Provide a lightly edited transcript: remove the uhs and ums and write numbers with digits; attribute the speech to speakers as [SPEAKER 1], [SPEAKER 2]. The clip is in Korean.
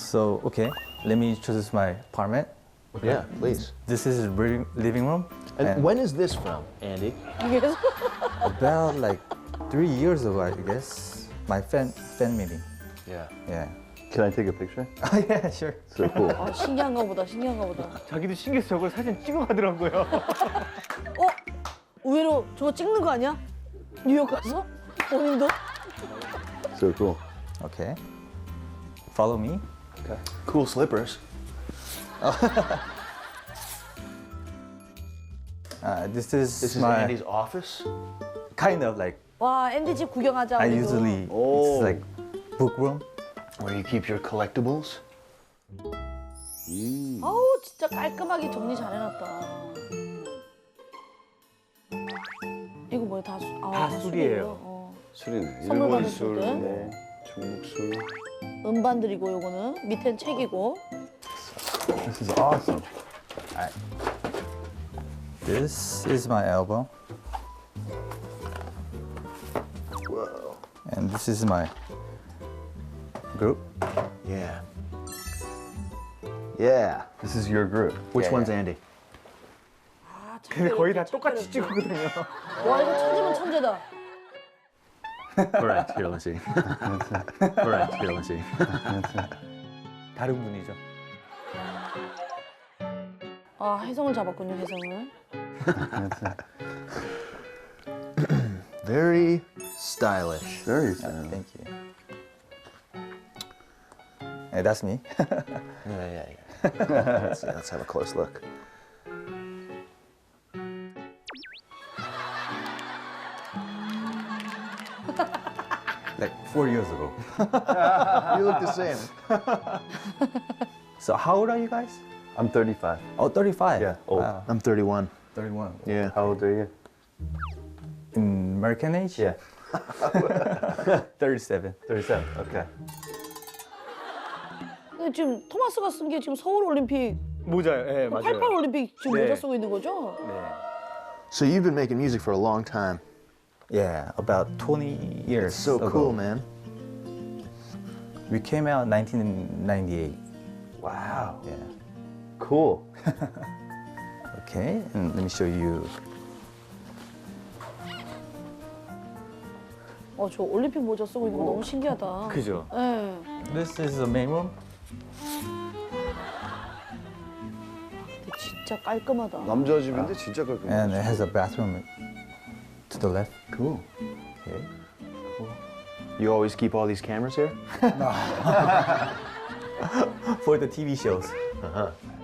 [SPEAKER 1] So, okay, let me introduce my apartment.
[SPEAKER 2] Yeah, please.
[SPEAKER 1] This is the living room.
[SPEAKER 2] And when is this from, Andy?
[SPEAKER 1] About like 3 years ago, I guess. My fan meeting.
[SPEAKER 2] Yeah.
[SPEAKER 1] Yeah.
[SPEAKER 2] Can I take a picture?
[SPEAKER 1] Oh, yeah, sure.
[SPEAKER 2] So cool.
[SPEAKER 3] 아, 신기한가 보다, 신기한가 보다.
[SPEAKER 4] 자기도 신기해서 저걸 사진 찍어가더라고요.
[SPEAKER 3] 의외로 저거 찍는 거 아니야? 뉴욕 가서? 본인도?
[SPEAKER 2] So cool.
[SPEAKER 1] Okay. Follow me.
[SPEAKER 2] Okay. Cool slippers.
[SPEAKER 1] This is
[SPEAKER 2] This is
[SPEAKER 1] my
[SPEAKER 2] Andy's office?
[SPEAKER 1] kind of like
[SPEAKER 3] 와, 앤디 집 구경하자,
[SPEAKER 1] I
[SPEAKER 3] 우리도.
[SPEAKER 1] usually
[SPEAKER 2] Oh.
[SPEAKER 1] it's like book room.
[SPEAKER 2] Where you keep your collectibles?
[SPEAKER 3] 아우, 진짜 깔끔하게 정리 잘 해놨다. 이거 뭐야, 다
[SPEAKER 4] 다 술이에요.
[SPEAKER 3] 어.
[SPEAKER 5] 술이네.
[SPEAKER 3] 선물
[SPEAKER 5] 일본
[SPEAKER 3] 받을
[SPEAKER 5] 술,
[SPEAKER 3] 때.
[SPEAKER 5] 뭐 중국 술.
[SPEAKER 3] 음반들이고, 요거는. 밑엔 책이고.
[SPEAKER 1] This is awesome. This is my album.
[SPEAKER 2] Whoa.
[SPEAKER 1] And this is my group.
[SPEAKER 2] Yeah. Yeah. This is your group. Which
[SPEAKER 1] Yeah,
[SPEAKER 2] one's
[SPEAKER 1] yeah.
[SPEAKER 2] Andy?
[SPEAKER 3] 아,
[SPEAKER 4] 근데 거의 다
[SPEAKER 3] 이렇게
[SPEAKER 4] 똑같이
[SPEAKER 3] 이렇게.
[SPEAKER 4] 찍거든요.
[SPEAKER 3] 와, 이거 찾으면 천재다.
[SPEAKER 2] Correct. Here, let's see. Correct. Here, let's see.
[SPEAKER 1] 다른 분이죠.
[SPEAKER 3] 아, 혜성을 잡았군요, 혜성을.
[SPEAKER 2] Very stylish.
[SPEAKER 5] Very
[SPEAKER 1] Thank you. Hey, that's me.
[SPEAKER 2] Yeah. let's see. Let's have a close look.
[SPEAKER 1] Like 4 years ago.
[SPEAKER 2] You look the same.
[SPEAKER 1] So how old are you guys?
[SPEAKER 5] I'm 35.
[SPEAKER 1] Oh, 35.
[SPEAKER 5] Yeah, old.
[SPEAKER 1] Wow.
[SPEAKER 2] I'm 31.
[SPEAKER 1] 31.
[SPEAKER 2] Yeah.
[SPEAKER 5] How old are you?
[SPEAKER 1] In American age?
[SPEAKER 5] Yeah.
[SPEAKER 1] 37.
[SPEAKER 5] 37. Okay.
[SPEAKER 3] 근데 지금 토마스가 쓴 게 지금 서울 올림픽,
[SPEAKER 4] 모자요. 예,
[SPEAKER 3] 88
[SPEAKER 4] 맞아요.
[SPEAKER 3] 올림픽 지금
[SPEAKER 4] 네.
[SPEAKER 3] 모자 쓰고 있는 거죠?
[SPEAKER 4] 네.
[SPEAKER 2] So you've been making music for a long time.
[SPEAKER 1] Yeah, about 20 years
[SPEAKER 2] So
[SPEAKER 1] ago.
[SPEAKER 2] cool, man.
[SPEAKER 1] We came out in 1998.
[SPEAKER 5] Wow.
[SPEAKER 1] Yeah.
[SPEAKER 5] Cool.
[SPEAKER 1] Okay, and let me show you.
[SPEAKER 3] 저 올림픽 모자 쓰고 있는 거 너무 신기하다.
[SPEAKER 4] 그죠.
[SPEAKER 3] 예.
[SPEAKER 1] This is the main room.
[SPEAKER 3] 근데 진짜 깔끔하다.
[SPEAKER 5] 남자 집인데 진짜 깔끔해.
[SPEAKER 1] And it has a bathroom to the left.
[SPEAKER 2] Cool.
[SPEAKER 1] Okay.
[SPEAKER 2] You always keep all these cameras here?
[SPEAKER 1] For the TV shows.